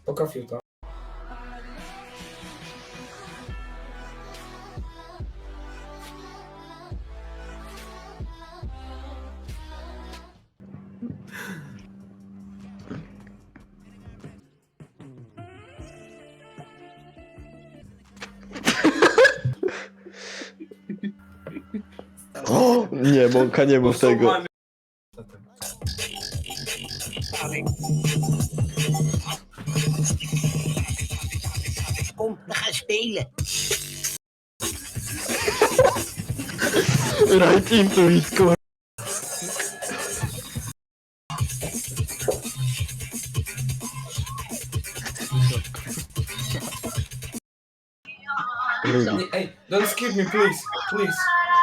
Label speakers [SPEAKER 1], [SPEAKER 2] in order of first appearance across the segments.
[SPEAKER 1] Poka fiuta.
[SPEAKER 2] O, nie, Mąka, nie mów tego.
[SPEAKER 3] Kom, we gaan spelen.
[SPEAKER 2] Right into it, kur... Rudy.
[SPEAKER 1] Hey, don't skip me, please. Please.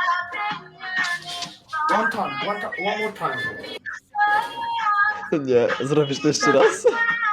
[SPEAKER 1] One more time.
[SPEAKER 2] Nie, zrobisz to jeszcze raz?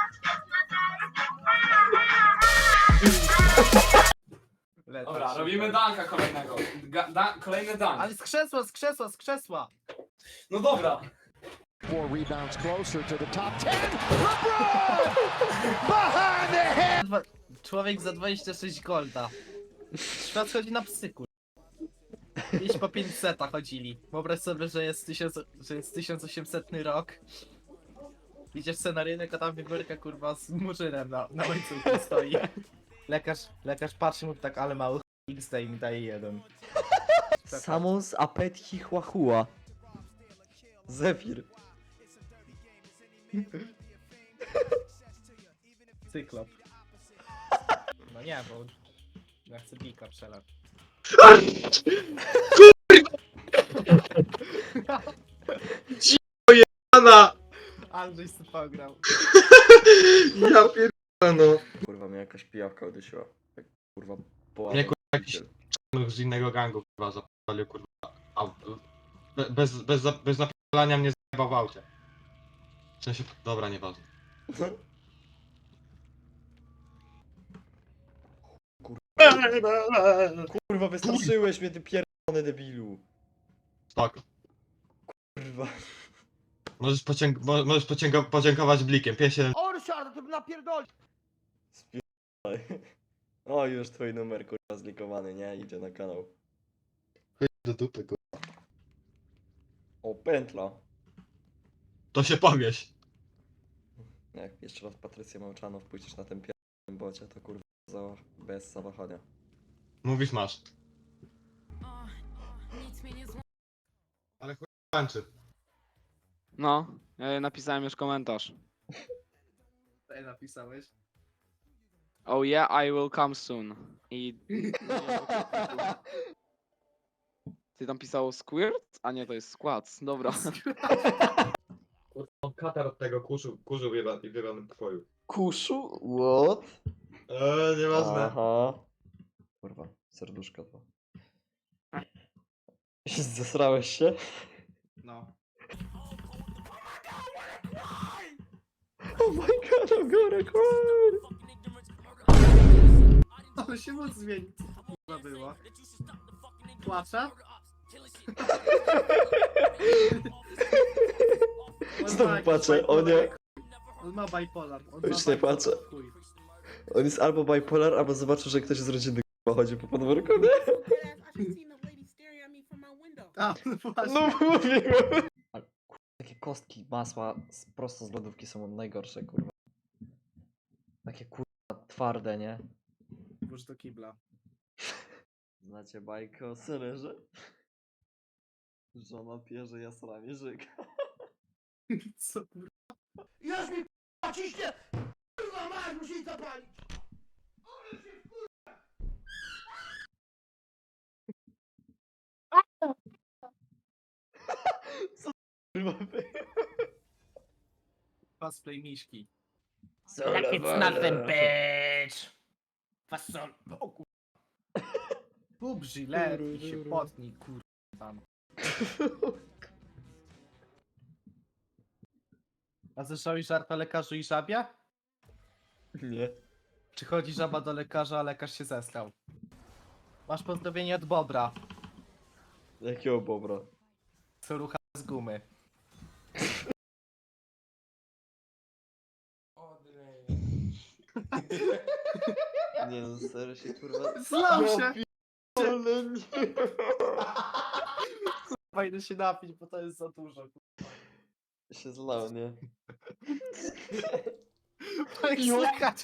[SPEAKER 1] Dobra, robimy danka kolejnego. Kolejny dank.
[SPEAKER 4] Ale z krzesła, z krzesła, z krzesła!
[SPEAKER 1] No dobra.
[SPEAKER 5] 4 rebounds closer to the top 10. LeBron! Behind the head!
[SPEAKER 4] Człowiek za 26 golda. Świat chodzi na psy, kur... Gdzieś po 500 chodzili. Wyobraź sobie, że jest 1800 rok. Idziesz sobie na rynek, a tam wiewiórka kurwa z murzynem na łańcuchu stoi. Lekarz patrzy mu tak, ale mały XD i mi daje jeden.
[SPEAKER 2] Samons apet chihuahua. Zefir.
[SPEAKER 4] Cyklop. No nie, bo ja chcę bika przelać.
[SPEAKER 6] Ana!
[SPEAKER 4] Andrzej sobie pograł.
[SPEAKER 6] Ja pierdolę no.
[SPEAKER 2] Kurwa, mnie jakaś pijawka udusiła. Jak, kurwa, połamał.
[SPEAKER 6] Nie, kurwa, jakiś z innego gangu kurwa zapalił kurwa. Bez napalania mnie zajebał w aucie. W sensie, dobra, nieważne.
[SPEAKER 2] Kurwa, wystraszyłeś mnie, ty pierdolony debilu.
[SPEAKER 6] Spoko.
[SPEAKER 2] Kurwa.
[SPEAKER 6] Możesz, podziękować blikiem. 5-7.
[SPEAKER 5] Orszar, to napierdoli!
[SPEAKER 2] O, już twój numer, kurwa, zlikowany, nie? Idzie na kanał.
[SPEAKER 6] Do dupy kurwa.
[SPEAKER 2] O, pętla.
[SPEAKER 6] To się powieś.
[SPEAKER 2] Jak jeszcze raz Patrycję Małczanow pójdziesz na tym pierdolnym bocie, to kurwa bez zawahania.
[SPEAKER 6] Mówisz masz. Ale chuj tańczy.
[SPEAKER 7] No, napisałem już komentarz.
[SPEAKER 4] Co napisałeś?
[SPEAKER 7] Oh yeah, I will come soon. I... Ty tam pisało squirt? A nie, to jest skład. Dobra.
[SPEAKER 6] Kurwa, katar od tego kurzu w wybranym pokoju.
[SPEAKER 2] Kuszu? What?
[SPEAKER 6] Nieważne.
[SPEAKER 2] Aha. Kurwa, serduszko to. Zesrałeś się?
[SPEAKER 4] No.
[SPEAKER 2] Oh my god, I'm gonna cry!
[SPEAKER 4] Ale się moc zmieni. Co było? Płacze?
[SPEAKER 2] Znowu patrzę, o nie.
[SPEAKER 4] On ma bipolar.
[SPEAKER 2] Już nie patrzę. On jest albo bipolar, albo zobaczył, że ktoś z rodziny k***a chodzi po podwórku, nie?
[SPEAKER 4] A, no właśnie.
[SPEAKER 2] No mówiłem! Takie kostki masła prosto z lodówki są najgorsze, kurwa. Takie kurwa twarde, nie?
[SPEAKER 4] Włóż do kibla.
[SPEAKER 2] Znacie bajkę o Sererze? Żona pierze, jasrami żyga.
[SPEAKER 4] Co kurwa?
[SPEAKER 5] Już mi k***a ciśnie! Kurwa masz, musi jej zapalić! Ale się
[SPEAKER 2] Kurwa,
[SPEAKER 4] Cosplay miśki.
[SPEAKER 3] So like it's nothing, bitch. Fasol. O kur...
[SPEAKER 4] Bób żylet i się potnij, kurwa tam. A słyszałeś żart o lekarzu i żabie?
[SPEAKER 2] Nie.
[SPEAKER 4] Czy chodzi żaba do lekarza, a lekarz się zeskał? Masz pozdrowienie od Bobra,
[SPEAKER 2] Jakiego bobra?
[SPEAKER 4] co rucha z gumy.
[SPEAKER 2] Nie no, serio się kurwa...
[SPEAKER 4] Zlał się!
[SPEAKER 2] Ale nie.
[SPEAKER 4] Fajnie się napić, bo to jest za dużo.
[SPEAKER 2] Się zlał, nie?
[SPEAKER 4] Tak słychać.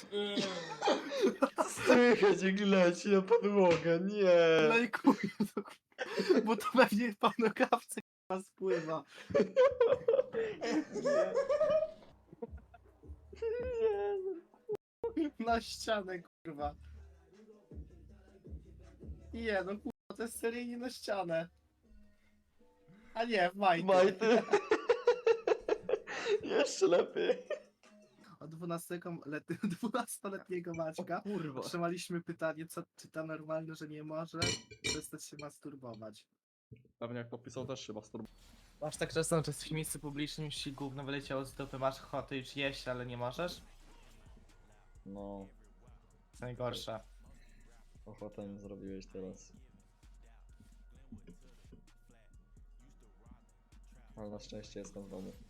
[SPEAKER 2] Słychać jak leci na podłogę, nie!
[SPEAKER 4] Lejkuję to, bo to pewnie po nogawce k***a spływa. Na ścianę, kurwa. Nie, no kurwa, to jest seryjnie na ścianę. A nie, w majty.
[SPEAKER 2] Majty. Jeszcze lepiej.
[SPEAKER 4] Od 12-letniego Maćka
[SPEAKER 2] Kurwa.
[SPEAKER 4] otrzymaliśmy pytanie, czy to normalne, że nie może przestać się masturbować.
[SPEAKER 2] Pewnie jak popisał też się masturbował.
[SPEAKER 4] Masz tak czasem, że jesteś w miejscu publicznym, już ci gówno wyleciało z dupy, masz ochotę już jeść, ale nie możesz?
[SPEAKER 2] No,
[SPEAKER 4] To najgorsze.
[SPEAKER 2] ochotę mi zrobiłeś teraz. Ale na szczęście jestem w domu.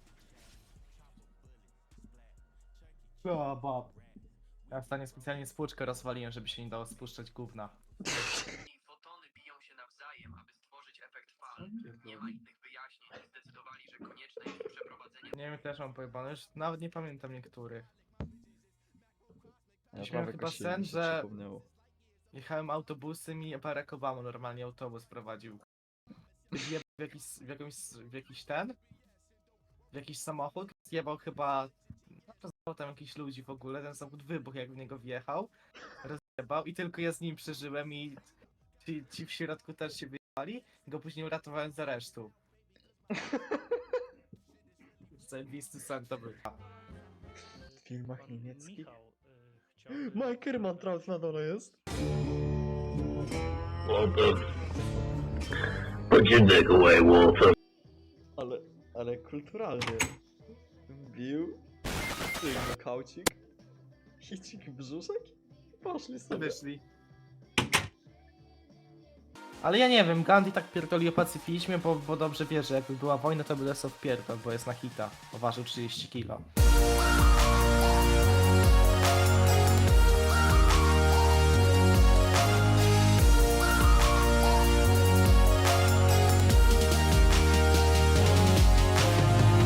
[SPEAKER 4] O, Bob. Ja w stanie specjalnie spłuczkę rozwaliłem, żeby się nie dało spuszczać gówna.
[SPEAKER 8] Fotony biją się nawzajem, aby stworzyć efekt fal. Nie ma innych wyjaśnień. Zdecydowali, że konieczne jest przeprowadzenie.
[SPEAKER 4] Nie wiem, też mam pojebane, już nawet nie pamiętam niektórych.
[SPEAKER 2] Ja
[SPEAKER 4] Miałem
[SPEAKER 2] prawie
[SPEAKER 4] chyba
[SPEAKER 2] kosiłem,
[SPEAKER 4] sen,
[SPEAKER 2] mi się
[SPEAKER 4] że-
[SPEAKER 2] przypomniało.
[SPEAKER 4] Jechałem autobusem i Barack Obama normalnie autobus prowadził. Zjebał w jakiś samochód, zjebał chyba, rozjebał tam jakichś ludzi w ogóle, ten samochód wybuchł jak w niego wjechał, rozjebał i tylko ja z nim przeżyłem i ci w środku też się wyjebali i go później uratowałem z aresztu. Zajebisty sen to był.
[SPEAKER 2] W filmach niemieckich? Mike Kermantraut na dole jest. Ale kulturalnie. Bił, kaucik, hicik brzuszek i poszli sobie.
[SPEAKER 4] Wyszli. Ale ja nie wiem, Gandhi tak pierdoli o pacyfizmie, bo dobrze wie, że jakby była wojna, to by dostał w pierdol, bo jest na hita. Ważył 30 kilo.